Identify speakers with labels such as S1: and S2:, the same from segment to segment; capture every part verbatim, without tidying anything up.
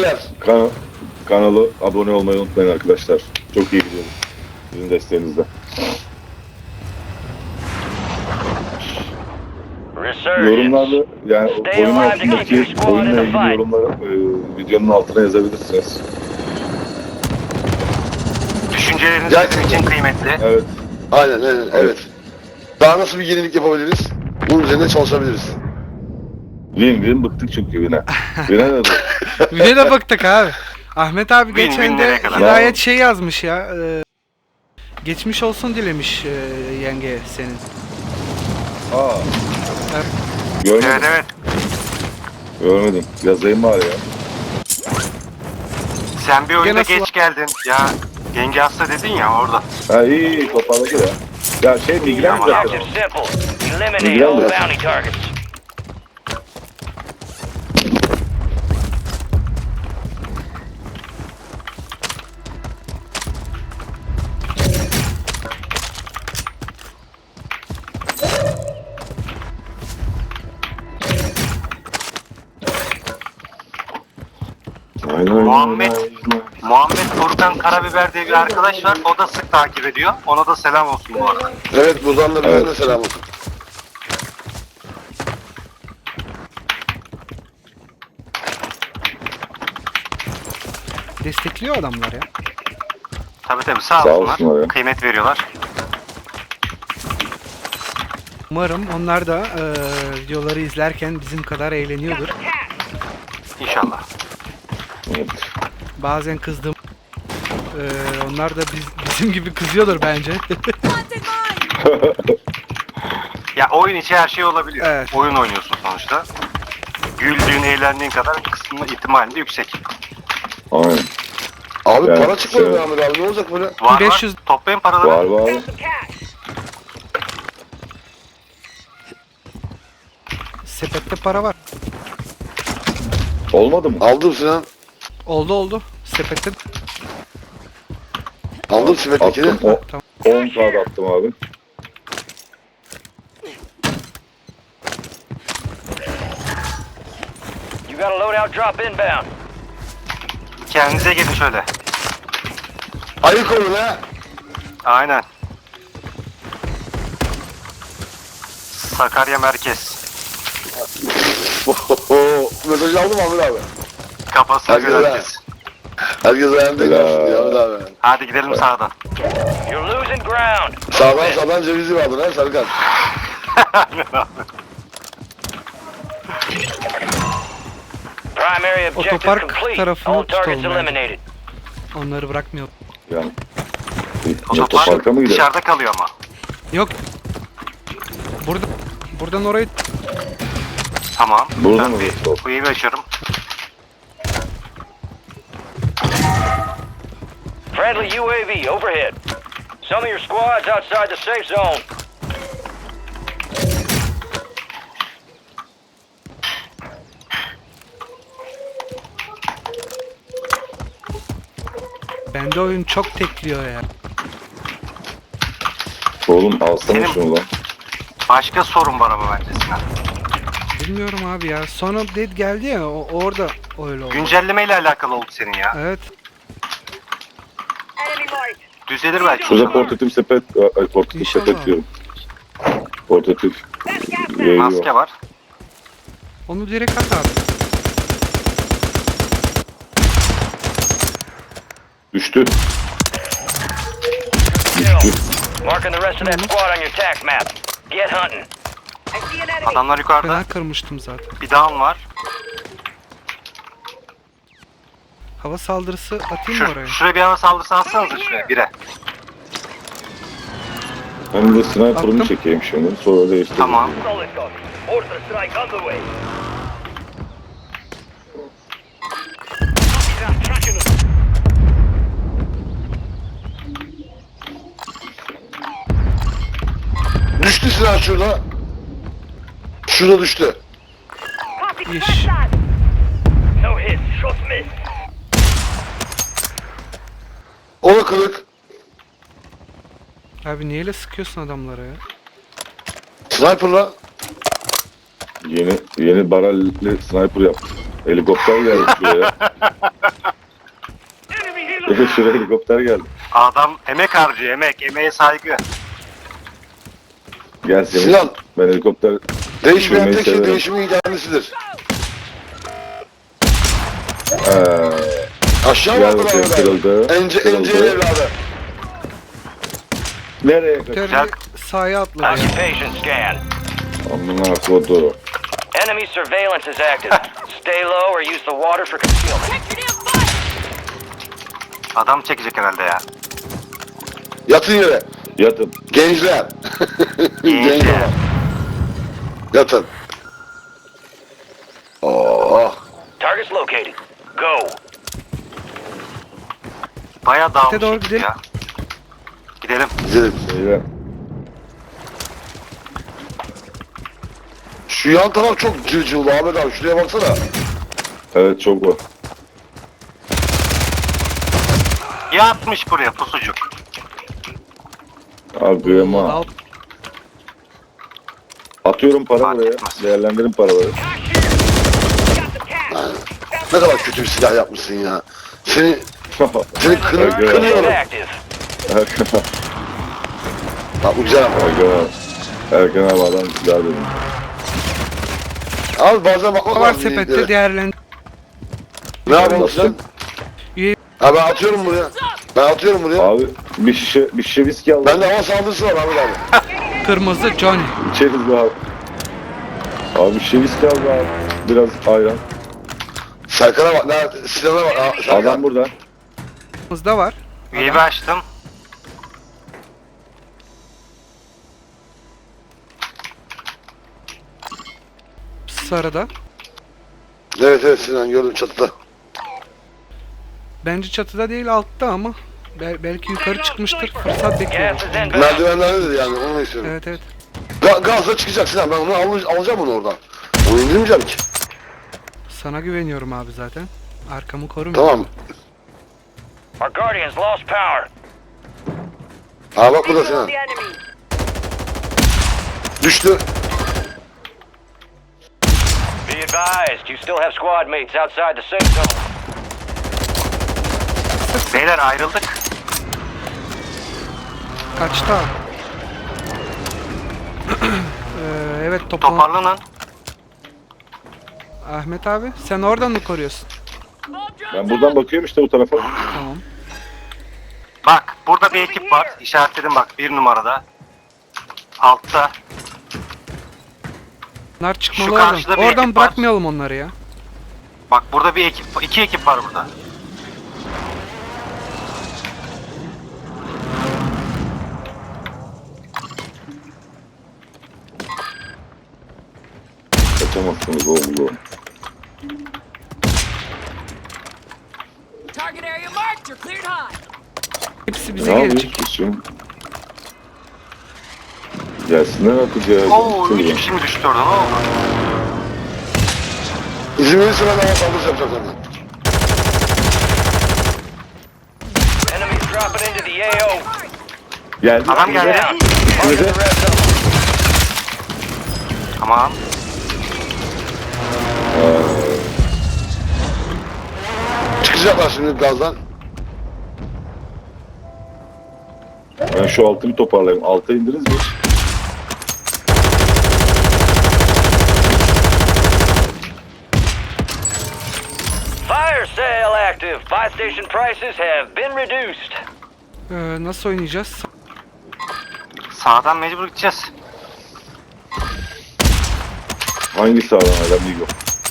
S1: Beyler.
S2: Kan kanalı abone olmayı unutmayın arkadaşlar. Çok iyi gidiyoruz. Sizin desteğinizle. Yorumlarda yani oyun hakkındaki oyunla ilgili yorumları e, videonun altına yazabilirsiniz.
S3: Düşünceleriniz
S1: Ya-
S3: bizim için kıymetli.
S2: Evet.
S1: Aynen aynen evet. Daha nasıl bir yenilik yapabiliriz? Bunun üzerine çalışabiliriz.
S2: Win win bıktık çünkü win'e. Win'e ne diyor?
S4: Güne de baktık abi. Ahmet abi
S3: Win
S4: geçen
S3: win
S4: de
S3: nereye kadar?
S4: Hidayet şey yazmış ya. e, geçmiş olsun dilemiş e, yenge senin.
S2: Aa.
S4: Evet.
S2: Görmedim.
S3: Evet evet.
S2: Görmedim. Yazayım bari ya.
S3: Sen bir oyunda
S4: Gene
S3: geç geldin. Ya yenge hasta dedin ya orada.
S2: Ha iyi iyi toparladı ya. Ya şey migren
S3: Tamam.
S2: zaten.
S5: Objective simple. Eliminate
S2: Miguel
S5: all
S2: biraz.
S5: bounty targets.
S2: Aynen, aynen,
S3: Muhammed.
S2: aynen.
S3: Muhammed Furkan Karabiber diye bir arkadaş var. O da sık takip ediyor. Ona da selam olsun bu arada.
S1: Evet buradan da bize
S2: Evet.
S1: de selam olsun.
S4: Destekliyor adamlar ya.
S3: Tabii tabii sağ,
S2: Sağ
S3: olsunlar.
S2: olsunlar ya.
S3: Kıymet veriyorlar.
S4: Umarım onlar da e, videoları izlerken bizim kadar eğleniyordur.
S3: İnşallah.
S2: Evet.
S4: Bazen kızdığım e, onlar da biz, bizim gibi kızıyordur bence.
S3: Ya oyun içi her şey olabiliyor.
S4: Evet.
S3: Oyun oynuyorsun sonuçta. Güldüğün, eğlendiğin kadar kısmı ihtimali de yüksek.
S2: Aynen.
S1: Abi
S2: Evet,
S1: para çıkmıyor
S2: evet.
S1: be Ahmet abi ne olacak böyle?
S3: Var
S4: beş yüz
S3: var. Toplayın paraları.
S2: Var var.
S4: Sepette para var.
S2: Olmadı mı?
S1: Aldım Sinan.
S4: Oldu oldu. Sepette
S1: Aldım simetlikini.
S2: Attım. O,
S4: tamam.
S2: on kağıt attım abi.
S5: You got a loadout drop inbound.
S3: Kendinize gelin şöyle.
S1: Ayık olun ha.
S3: Aynen. Sakarya merkez.
S1: Mesajı aldım Ahmet abi.
S3: Kafasına
S1: Herkes
S3: göre
S1: ha.
S3: herkes.
S1: Herkes ayağında
S2: Helal.
S1: kalsın ya Ahmet abi.
S3: Hadi gidelim sağdan.
S5: You're losing ground.
S1: Sağdan sağdan cevizi vardır ha Serkan.
S5: Primary objective
S4: Otopark
S5: complete.
S4: tarafını
S5: All targets
S4: tutalım bence.
S5: eliminated.
S4: Onları bırakmıyor.
S2: Yani.
S3: Otopark
S2: Otoparka mı gidelim?
S3: dışarıda kalıyor ama.
S4: Yok. Burada buradan oraya
S3: Tamam.
S2: Burada
S3: ben
S2: mı?
S3: bir
S2: Stop.
S3: kuyu bir açarım.
S5: Friendly U A V overhead. Some of your squads outside the safe zone.
S4: bende oyun çok tekliyor ya.
S2: Oğlum alsana
S3: Benim-
S2: şunu lan.
S3: Başka sorun var ama bence Sinan.
S4: Bilmiyorum abi ya. Sonra dead geldi ya o, orada öyle oldu.
S3: Güncelleme ile alakalı oldu senin ya.
S4: Evet.
S3: Düzelir belki.
S2: Şurada portatif sepet, ay portatif
S4: İnşallah.
S2: sepet diyorum. Portatif yayı
S3: Maske
S2: var.
S3: var.
S4: Onu direkt at abi.
S2: Düştü.
S5: Kill.
S2: Düştü.
S5: Marking the rest of that squad on your tac map. Get hunting.
S3: Adamlar yukarıda.
S4: Fena kırmıştım zaten.
S3: Bir down var.
S4: Hava saldırısı atayım mı
S3: Şu,
S4: oraya?
S3: şuraya bir hava saldırısı atsanıza şuraya bire.
S2: Ben de sniper'ımı
S4: Attım.
S2: çekeyim şimdi. Sonra değiştireyim.
S3: Tamam.
S5: Solid copy. Mortar strike on the way.
S1: Düştü Sinan şurada. Şurada düştü.
S4: İş.
S5: No hits. Shots missed.
S1: O da kırık.
S4: Abi niye öyle sıkıyorsun adamlara ya?
S1: Sniper'la.
S2: Yeni yeni barelli sniper yaptım. Helikopter geldi şuraya. Evet şuraya helikopter geldi.
S3: Adam emek harcıyor, emek. Emeğe saygı.
S2: Gel Semih.
S1: Sinan,
S2: Ben helikopter
S1: değişmeyen
S2: sürmeyi
S1: tek şey
S2: severim.
S1: değişimin kendisidir.
S2: Ee,
S1: Aşağı
S2: Gel
S1: bakın
S2: bakayım,
S1: abi.
S2: kırıldı.
S1: Ence,
S2: Kırıldı.
S1: Ence'nin evladı.
S2: nereye kaçıyor?
S4: Terörü sahaya atladı ya.
S5: Occupation scan.
S2: Amına kodu.
S5: Enemy surveillance is active. Stay low or use the water for concealment.
S3: Adam çekecek herhalde ya.
S1: Yatın yere.
S2: Yatın.
S1: Gençler. Gençler. Yatın. Oh.
S5: Target's located. Go.
S3: Bayağı
S4: doğru
S3: dağılmış
S4: gidelim.
S3: ya. Gidelim.
S1: Gidelim.
S2: Beyler.
S1: Şu yan taraf çok cırcıvlı Ahmet abi. Şuraya baksana.
S2: Evet çok var.
S3: Yatmış buraya pusucuk.
S2: Abi ama
S4: Al-
S2: atıyorum para
S3: Fark
S2: buraya.
S3: etmez.
S2: Değerlendirin paraları.
S1: Ne kadar kötü bir silah yapmışsın ya. Seni, seni kını,
S2: Erkan abi.
S1: kınıyorum.
S5: Active.
S2: Erkan abi.
S1: Bak bu güzel ama.
S2: Erkan abi. Erkan abi adam silah dedim.
S1: Abi bazen bakmak
S4: var
S1: lazım.
S4: sepette
S1: yeniliklere.
S4: değerlendir.
S1: Ne yapalım
S2: Nasıl?
S1: sen?
S4: Üye
S1: Ha ben atıyorum buraya. Ben atıyorum buraya.
S2: Abi bir şişe bir şişe viski al.
S1: Bende hava saldırısı var Ahmet abi.
S4: kırmızı Johnny.
S2: İçeriz be abi. Abi bir şişe viski al be abi. Biraz ayran.
S1: Serkan'a bak. Ne, Sinan'a bak. Ha, Serkan.
S2: Adam burada.
S4: Kırmızıda var.
S3: Üyeyi açtım.
S4: Sarıda.
S1: Evet evet Sinan gördüm çatıda.
S4: Bence çatıda değil altta ama. Bel- belki yukarı çıkmıştır. Fırsat bekliyorum.
S5: Gas is inbound.
S1: Merdivenlerdedir yani onu istiyorum.
S4: Evet evet.
S1: Ga gazla çıkacak Sinan ben onu al alacağım onu oradan. Onu indirmeyeceğim ki.
S4: Sana güveniyorum abi zaten. Arkamı korum.
S1: Tamam.
S5: Our Guardians lost power.
S1: Ha bak burada Sinan. Düştü.
S5: Be advised, you still have squad mates outside the safe zone.
S3: Beyler ayrıldık.
S4: Kaçta? ee, evet toplam.
S3: Toparlanın.
S4: Ahmet abi sen oradan mı koruyorsun?
S2: Ben buradan bakıyorum işte bu tarafa.
S4: Tamam.
S3: Bak burada bir ekip var. İşaretledim bak bir numarada. Altta.
S4: Bunlar çıkmalı
S3: Şu
S4: oradan.
S3: karşıda bir
S4: Oradan
S3: ekip var.
S4: bırakmayalım onları ya.
S3: Bak burada bir ekip, iki ekip var burada.
S2: Kaçamazsınız oğlum.
S6: Target area marked. You're cleared high.
S4: Hepsi bize
S2: Ne
S4: gelecek.
S2: yapıyorsun kızım? Gelsinler artık ya.
S3: Oo
S2: Gelsinler.
S3: üç kişi mi düştü orada ne oldu?
S1: İzin verirse ben hava saldırısı yapacağım senden.
S5: Enemies dropping into the A O.
S2: Geldi.
S3: Adam geldi.
S5: Down. Marking the red zone.
S3: Tamam.
S1: Çıkacaklar şimdi gazdan.
S2: Ben şu altı bir toparlayayım. Alta indiniz mi?
S5: Fire sale active. Buy station prices have been reduced.
S4: Ee, nasıl oynayacağız?
S3: Sağdan mecbur gideceğiz.
S2: Hangi sağdan adam değil yok.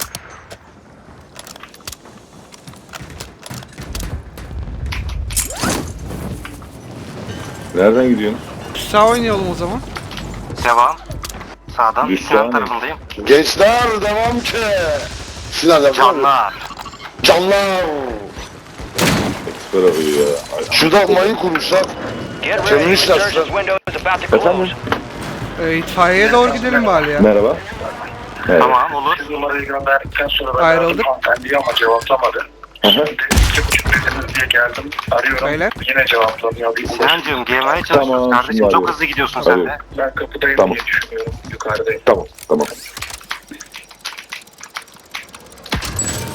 S2: Nereden gidiyorsun?
S4: Sağ oynayalım o zaman.
S3: Devam. Sağdan.
S2: Düz
S3: Sinan
S2: sağ
S3: tarafındayım.
S1: Gençler devam ki. Sinan devam.
S3: Canlar.
S1: Canlar.
S2: Eksper arıyor ya. Ay,
S1: Şurada mayın kurmuşlar.
S5: Get ready.
S1: Terörist
S5: Resurgence
S1: açtı.
S5: window is about to
S2: Efendim?
S5: close.
S4: Ee, itfaiyeye doğru gidelim bari ya.
S2: Merhaba. Evet.
S3: Tamam olur.
S7: Numarayı gönderdikten sonra ben
S4: Ayrıldık.
S7: aradım hanımefendiyi ama cevaplamadı.
S2: Aha.
S7: Şimdi iki buçuk dediniz diye geldim. Arıyorum.
S4: Beyler.
S7: Yine cevaplamıyor. Bir ulaşım.
S3: Sinancığım gelmeye çalışıyoruz
S2: Tamam,
S3: kardeşim.
S2: şimdi
S3: Çok
S2: arıyorum.
S3: hızlı gidiyorsun sen de.
S2: Arıyorum.
S7: Ben kapıdayım
S2: Tamam.
S7: diye düşünüyorum. Yukarıdayım.
S2: Tamam, tamam.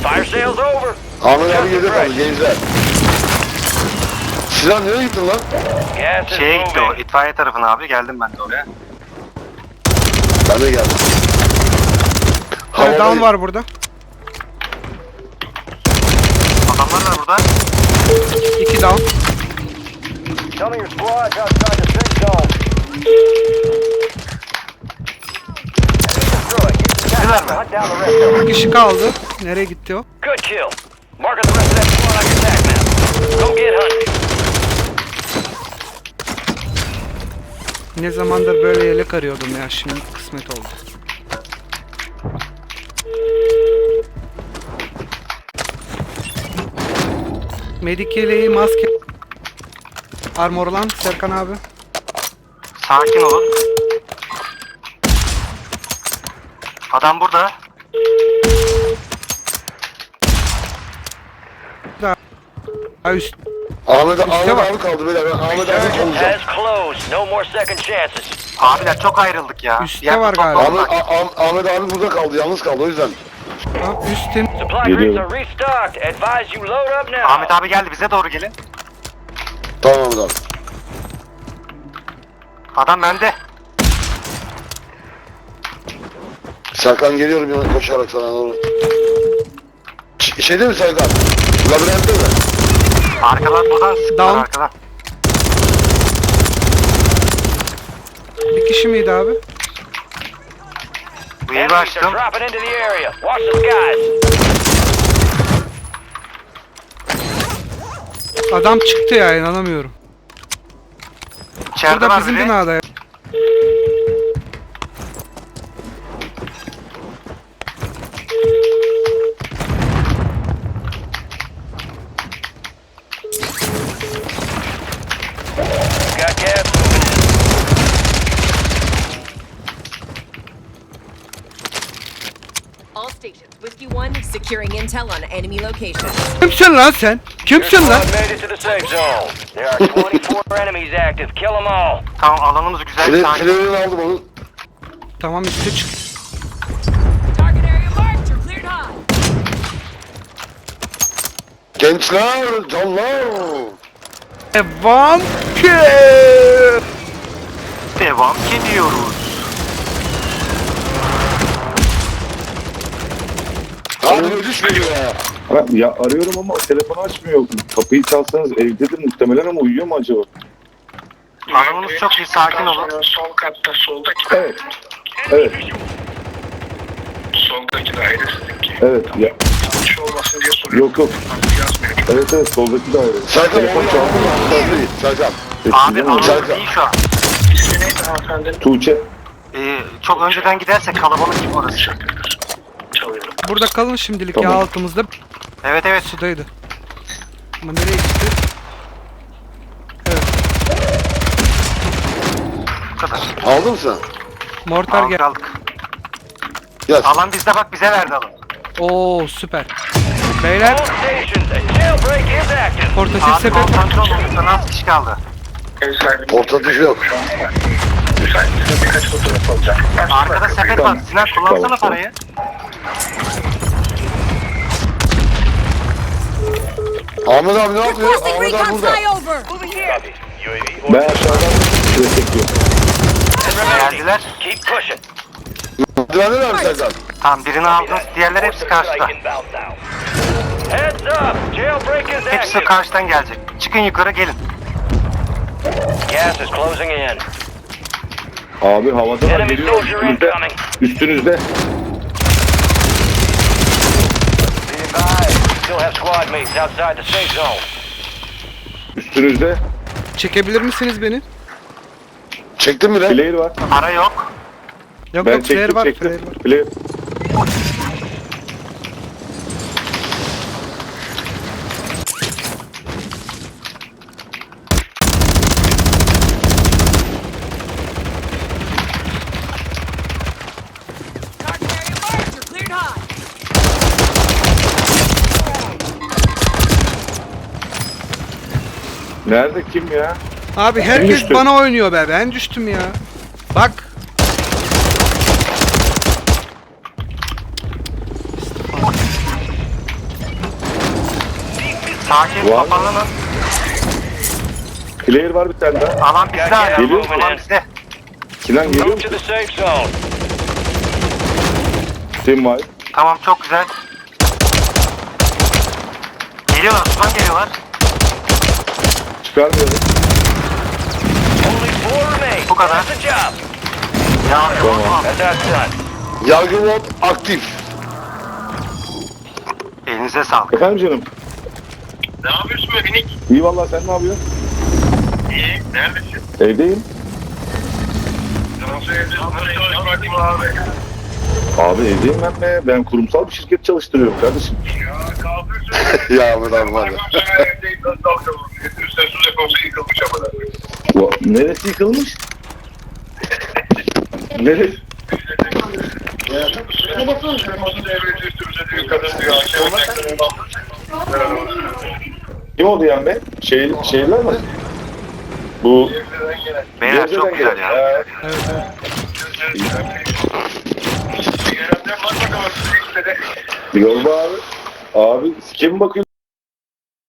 S5: Fire sale's over.
S1: Ahmet abi geride kaldı gençler. Sinan nereye gittin lan?
S3: Şeye
S5: Gas is
S3: Şey gitti o,
S5: moving.
S3: itfaiye tarafına abi. Geldim ben de oraya.
S1: Ben de geldim.
S4: Bir tane down
S1: Havadayım.
S4: var burada.
S3: Adamlar da burada.
S4: İki down.
S5: Some of your squad's outside the safe zone. Destroy. Use the gas to hunt down the rest of them.
S4: Bir kişi kaldı. Nereye gitti o?
S5: Good kill. Marking the rest of that squad on your attack map. Go get hunting.
S4: Ne zamandır böyle yelek arıyordum ya, şimdi kısmet oldu. Medik yeleği, maske. Armor olan Serkan abi.
S3: Sakin olun. Adam burada.
S4: Ha üst.
S1: Ahmet, Ahmet
S4: var.
S1: abi kaldı böyle. Ben Ahmet abi
S5: Surgeon
S1: olacağım.
S5: has closed. No more second chances.
S3: Abiler çok ayrıldık ya.
S4: Üstte
S3: Yer
S4: var
S3: tutmak
S4: galiba.
S1: Ahmet,
S3: zorunda.
S1: A- Ah- Ahmet abi burada kaldı. Yalnız kaldı o yüzden.
S4: Ha, üstin.
S5: Supply crates
S2: Geliyorum.
S5: are restocked. Advise you load up now.
S3: Ahmet abi geldi, bize doğru gelin.
S1: Tamam Ahmet abi.
S3: Adam bende.
S1: Serkan geliyorum yana koşarak sana doğru. Ş- Şeyde mi Serkan? Labirentte mi?
S3: Arkadan buradan sıktılar
S4: Down.
S3: arkadan.
S4: Bir kişi miydi abi?
S3: Bu yeri
S5: Enemies are
S3: açtım.
S5: dropping into the area. Watch the skies.
S4: Adam çıktı ya, inanamıyorum.
S3: İçeride
S4: Burada
S3: var
S4: bizim
S3: biri.
S4: binada ya.
S5: Got gas moving in.
S6: All stations. Whiskey one securing intel on enemy locations.
S4: Kimsin lan sen?
S5: Your
S4: Kimsin lan?
S5: squad made it to the safe zone. There are twenty-four enemies active. Kill them all.
S3: Tamam, alanımız güzel.
S1: File,
S3: Sakin.
S1: filelerini aldım onu.
S4: Tamam, üstte çık.
S6: Target area marked. You're cleared high.
S1: Gençler, canlar.
S4: Devam ki.
S3: Devam ediyoruz.
S1: Abi düşmüyor ya.
S2: Ha, ya arıyorum ama telefonu açmıyor. Kapıyı çalsanız evdedir muhtemelen ama uyuyor mu acaba?
S3: Alanımız çok iyi, sakin olun.
S7: Sol katta soldaki.
S2: Evet. Evet.
S7: Soldaki daire sizinki.
S2: Evet. Ya,
S7: Yanlış olmasın diye soruyorum.
S2: yok yok.
S7: Yazmıyor.
S2: Evet evet soldaki daire.
S1: Serkan
S2: Telefon
S1: onu
S2: çaldı.
S1: aldım. Serkan.
S3: Abi
S2: Eskiden mi?
S3: alanımız
S1: Serkan.
S3: iyi şu an.
S7: İsmi neydi hanımefendinin?
S2: Tuğçe.
S3: Ee, çok önceden gidersek kalabalık gibi orası.
S7: Teşekkürler. Çalıyorum.
S4: Burada kalın şimdilik
S2: Tamam.
S4: ya, altımızda
S3: Evet evet.
S4: sudaydı. Ama nereye gitti? Evet.
S3: Bu kadar.
S1: Aldın mı sen?
S4: Mortar
S3: Aldık
S4: gel.
S3: aldık.
S1: Gel.
S3: Alan bizde, bak bize verdi alan.
S4: Oo süper. Beyler,
S5: All stations. A jailbreak is active.
S4: portatif
S3: Abi
S4: sepet.
S3: konsantre olun. Yukarı az kişi kaldı.
S7: Ev sahibi.
S1: Portatif yok.
S7: Müsaitse birkaç fotoğraf alacağım.
S3: Arkada sepet var. Sinan kullansana
S2: Tamam, tamam.
S3: parayı.
S1: Ahmet abi ne yapıyor?
S6: Requesting
S1: Ahmet abi
S6: recon
S1: burada.
S6: flyover.
S2: Ben aşağıdan şöyle çekiyorum.
S3: Geldiler.
S5: Keep pushing.
S1: Merdivende mi abi Serkan?
S3: Tamam, birini aldınız. Diğerleri hepsi karşıda.
S5: Heads up. Jailbreak is
S3: Hepsi
S5: active.
S3: karşıdan gelecek. Çıkın yukarı, gelin.
S5: Gas is closing in.
S2: Abi havada var,
S5: Enemy
S2: geliyor
S5: soldier
S2: üstünüzde.
S5: incoming.
S2: Üstünüzde.
S5: Be advised. Still have squad mates outside the safe zone.
S2: Üstünüzde.
S4: Çekebilir misiniz beni?
S1: Çektin mi lan?
S2: Player var.
S3: Para yok.
S4: Yok
S2: Ben
S4: yok, flare
S2: çektim
S4: var,
S2: çektim.
S4: flare var.
S2: Player.
S6: Target area marked. You're cleared high.
S2: Nerede kim ya?
S4: Abi herkes
S2: düştü?
S4: bana oynuyor be, ben düştüm ya. Bak.
S3: Sakin,
S2: Var mı?
S3: toparlanın.
S2: Player var bir tane daha.
S3: Alan bizde hala.
S2: Geliyor.
S3: Alan bizde.
S2: Sinan geliyor
S5: Move to
S2: musun?
S5: the safe zone.
S2: Team var.
S3: Tamam, çok güzel. Geliyorlar, Osman geliyorlar.
S2: Çıkarmıyorum.
S5: Only four remain.
S3: Bu kadar.
S5: That's the job.
S3: Ya,
S2: Tamam.
S5: That's that done.
S1: Yargı mod aktif.
S3: elinize sağlık.
S2: Efendim canım.
S7: Ne yapıyorsun be minik?
S2: İyi vallahi sen ne yapıyorsun?
S7: İyi. Neredesin?
S2: Evdeyim.
S7: Nasıl evdesin? Nasıl çalışmak abi?
S2: Abi evdeyim ben de. Ben kurumsal bir şirket çalıştırıyorum kardeşim.
S7: Ya kalkıyorsun.
S1: Ya Ahmet abi var ya.
S7: Evdeyim. Nasıl kalkalım? Üstüne su deposu yıkılmış ama.
S2: Va- Neresi yıkılmış? Neresi?
S7: Telefon. Devleti üstümüze diyor. Kadın diyor. Akşam
S2: Kim oldu yani be? Şey, şeyler mi? Bu
S3: Beyler çok
S2: Gebze'den
S3: güzel
S2: gelen.
S3: ya.
S2: Ee,
S4: Evet, evet.
S7: Yerden bak bakalım. İşte de.
S2: Yolda abi. Abi sike mi bakıyorsun?